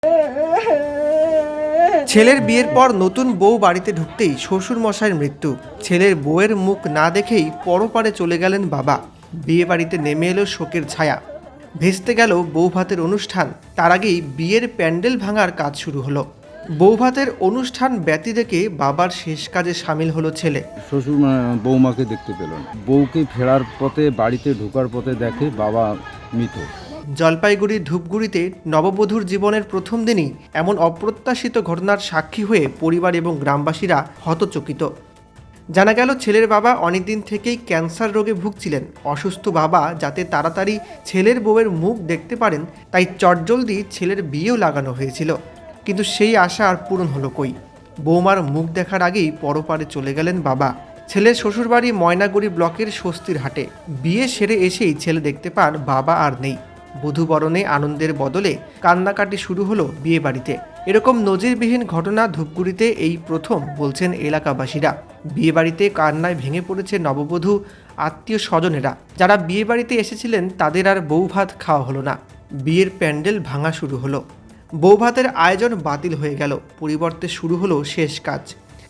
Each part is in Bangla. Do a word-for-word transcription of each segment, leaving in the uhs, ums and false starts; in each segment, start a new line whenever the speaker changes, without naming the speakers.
ছেলের বিয়ের পর নতুন বউ বাড়িতে ঢুকতেই শ্বশুর মশাইয়ের মৃত্যু। ছেলের বউয়ের মুখ না দেখেই পরপারে চলে গেলেন বাবা। বিয়ে বাড়িতে নেমে এলো শোকের ছায়া। ভেস্তে গেল বৌভাতের অনুষ্ঠান। তার আগেই বিয়ের প্যান্ডেল ভাঙার কাজ শুরু হলো। বৌভাতের অনুষ্ঠান ব্যতি রেখে বাবার শেষ কাজে সামিল হলো ছেলে।
শ্বশুর বৌমাকে দেখতে পেল না। বউকে ফেরার পথে বাড়িতে ঢোকার পথে দেখে বাবা মৃত।
জলপাইগুড়ির ধূপগুড়িতে নববধূর জীবনের প্রথম দিনই এমন অপ্রত্যাশিত ঘটনার সাক্ষী হয়ে পরিবার এবং গ্রামবাসীরা হতচকিত। জানা গেল ছেলের বাবা অনেকদিন থেকেই ক্যান্সার রোগে ভুগছিলেন। অসুস্থ বাবা যাতে তাড়াতাড়ি ছেলের বউয়ের মুখ দেখতে পারেন তাই চটজলদি ছেলের বিয়েও লাগানো হয়েছিল। কিন্তু সেই আশা আর পূরণ হলো কই। বৌমার মুখ দেখার আগেই পরপারে চলে গেলেন বাবা। ছেলের শ্বশুরবাড়ি ময়নাগুড়ি ব্লকের স্বস্তির হাটে। বিয়ে সেরে এসেই ছেলে দেখতে পান বাবা আর নেই। বধূবরণে আনন্দের বদলে কান্নাকাটি শুরু হলো বিয়ে বাড়িতে। এরকম নজিরবিহীন ঘটনা ধূপগুড়িতে এই প্রথম বলছেন এলাকাবাসীরা। বিয়ে বাড়িতে কান্নায় ভেঙে পড়েছে নববধূ আত্মীয় স্বজনেরা। যারা বিয়ে বাড়িতে এসেছিলেন তাদের আর বৌভাত খাওয়া হলো না। বিয়ের প্যান্ডেল ভাঙা শুরু হলো। বৌভাতের আয়োজন বাতিল হয়ে গেল। পরিবর্তে শুরু হলো শেষ কাজ।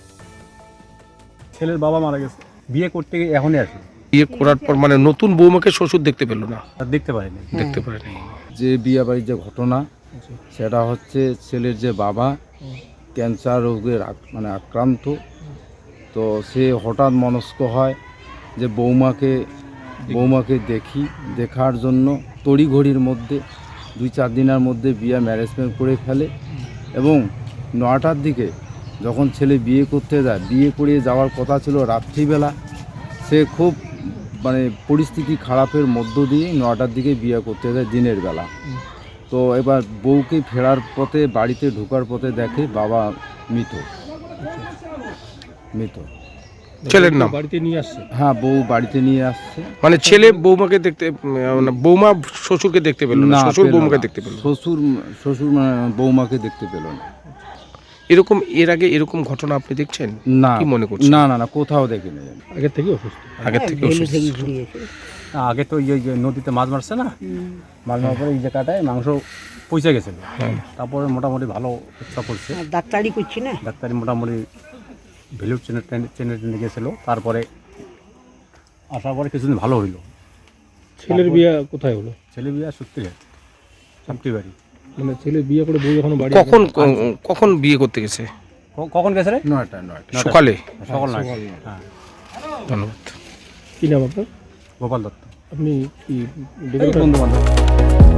ছেলের বাবা মারা গেছে, বিয়ে করতে গিয়ে এখনই আসে।
বিয়ে করার পর মানে নতুন বৌমাকে শ্বশুর দেখতে পেল না,
আর দেখতে পারিনি।
দেখতে পারেনি।
যে বিয়ে বাড়ির যে ঘটনা সেটা হচ্ছে ছেলের যে বাবা ক্যান্সার রোগের আক- মানে আক্রান্ত। তো সে হঠাৎ মনস্ক হয় যে বৌমাকে বৌমাকে দেখি দেখার জন্য তড়িঘড়ির মধ্যে দুই চার দিনের মধ্যে বিয়ে ম্যারেজমেন্ট করে ফেলে। এবং নটার দিকে যখন ছেলে বিয়ে করতে যায়, বিয়ে করে যাওয়ার কথা ছিল রাত্রিবেলা, সে খুব মানে পরিস্থিতি খারাপের মধ্য দিয়ে নটার দিকে বিয়ে করতে যায় দিনের বেলা। তো এবার বউকে ফেরার পথে বাড়িতে ঢোকার পথে দেখে বাবা মৃত মৃত
ছেলের নাম
বাড়িতে নিয়ে আসছে।
হ্যাঁ, বউ বাড়িতে নিয়ে আসছে।
মানে ছেলে বৌমাকে দেখতে মানে বৌমা শ্বশুরকে দেখতে পেল না, শ্বশুর
পেল
বৌমাকে
না।
দেখতে পেল না।
শ্বশুর শ্বশুর মানে বৌমাকে দেখতে পেল না।
এরকম এর আগে এরকম ঘটনা আপনি দেখছেন?
না,
কি মনে করছেন?
না না না কোথাও দেখিনি আমি।
আগে থেকে অসুস্থ।
আগের থেকে অসুস্থ ছিল।
না, আগে তো এই যে নদীতে মাছ মারছে না, মাছ মারার পরে এই জায়গাটায় মাংস পচে গেছিল। তারপরে মোটামুটি ভালো চিকিৎসা করছে,
ডাক্তারি করছি না,
ডাক্তারি মোটামুটি ভ্যালু চেনে চেনে টেনে গেছিলো। তারপরে আসার পরে কিছুদিন ভালো হইলো।
ছেলের বিয়ে কোথায় হলো?
ছেলে বিয়ে সত্যি সত্যি বাড়ি।
মানে ছেলে বিয়ে করে বউ যখন বাড়ি
কখন কখন বিয়ে করতে গেছে?
ক- কখন গেছে রে?
নয়টা নয়টা
সকালে।
সকাল নয়। হ্যাঁ,
ধন্যবাদ।
কি নাম আপনার?
গোপাল দত্ত।
আপনি কি
বন্ধু বান্ধব।